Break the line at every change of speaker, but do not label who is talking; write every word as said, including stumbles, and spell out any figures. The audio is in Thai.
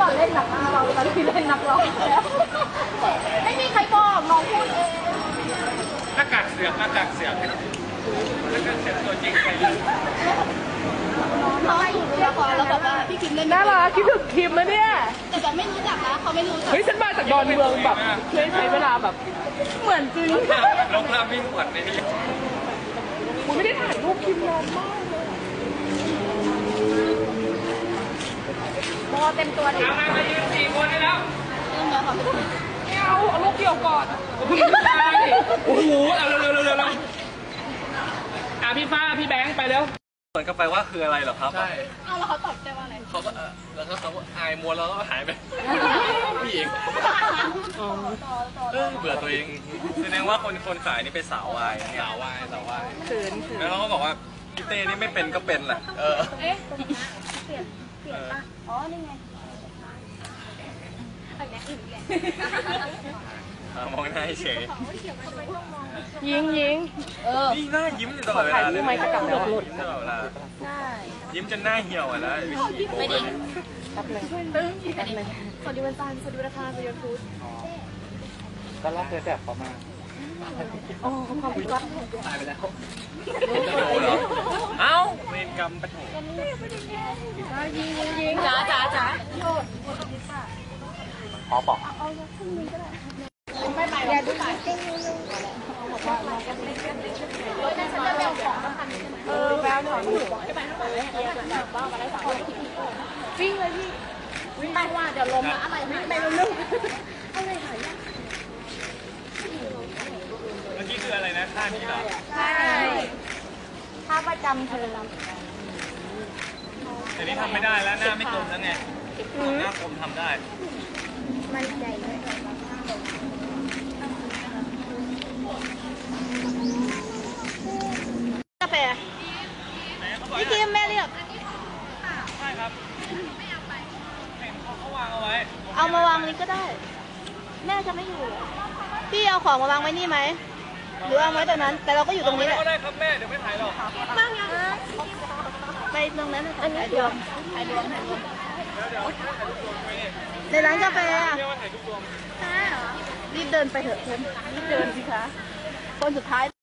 อนเล่นหนักเราตอนที่เล่นนักร้องไม่มีใครบอกน้องพูดเอง
หน้ากากเสือกหน้ากากเสือกหน้ากากเสือกตัวจริงใคร
น้องอยู่ในละครแล้วแบบว่าพี่คิมเล่น
น่ารักคิดถึงคิมนะเนี่ย
แต่แบบไม่รู้จักนะเขาไม่รู้จัก
เฮ้ยฉันมาจากดอนเมืองแบบเคยใช้เวลาแบบเหมือนจริง
ลงภาพวิ่งขวัญในนี้
คุณไม่ได้ถ่ายรูปคิมนานมากเลย
โบเต็มตัวเลย
เอามายืนสี่คนได้แล้ว
ไม่เอาเอาลูกเดียวก่อนโอ้โหเอาเร็วเร็วเร็วเร็วอ่ะพี่ฟ้าพี่แบงค์ไปแล้ว
เหมือนกับไปว่าคืออะไรเหรอครับใช่
เอาแล้วเขาตอบใจว่าอะไร
เขาก็แล้วก็เขาอายมัวแล้วก็หายไปพี่เองเบื่อตัวเองแสดงว่าคนคนขายนี่เป็นสาววายสาววายสาววาย
เขินเขิน
แล้วเขาก็บอกว่าพี่เต้นี่ไม่เป็นก็เป็นแหละเออ
เอ๊ะเปลี่ยนเปลี่ยนป่ะอ๋อนี่ไง
มองหน้าเฉย
ยิงยิง
เออนี่หน้ายิ้มตลอดเวลาเลย
ไม่จะกลับแล้ว
ยิ้มตลอดเวลา
ใช่
ยิ้มจนหน้าเหี่ยวอ่ะนะ
ไม่ดี
แป๊บนึง
ตึ้งแป๊บนึงสวัสดีวันจันทร์สวัสดีวันอังคารสวัสดีวันพุธ
ก็รักเธอแบบเขามา
โอ้ความรัก
ตายไปแล้วเอ้าเวรกรรมปะโถ
ยิงยิง
จ๋าจ๋าจ๋า
ขอบอก
ไม่ไปอย่าดูสายเต้นเออแววถอนหัวไม่ไปเท่าไหร่เลยบ้ามาได้สามวิ่งเลยพี่วิ่งไปว่าเดี๋ยวล้มนะอะไรวิ่งไปเร็วๆอะไรหาย
เมื่อกี้คืออะไรนะท่านี้เหรอ
ใช่ท่าประจำเธอ
แต่นี่ทำไม่ได้แล้วหน้าไม่กลมแล้วไงหน้ากลมทำได้
มันใจเลยกาแฟพี่คิมแม่เรียก
ใช่ครับเห็นเขาวางเอาไว้
เอามาวางนี้ก็ได้แม่จะไม่อยู่พี่เอาของมาวางไว้นี่ไหมหรือวางไว้ตรงนั้นแต่เราก็อยู่ตรงนี้แหละ
ก็ได้ครับแม่เดี๋ยวไม่ถ่ายหรอก
นั่งยังไปตรงนั้นอันนี้เดี๋ยวถ่ายรวมถ่ายรวมในร้านกาแฟอ่ะใช่เหรอรีบเดินไปเถอะเพื่อนรีบเดินสิคะคนสุดท้าย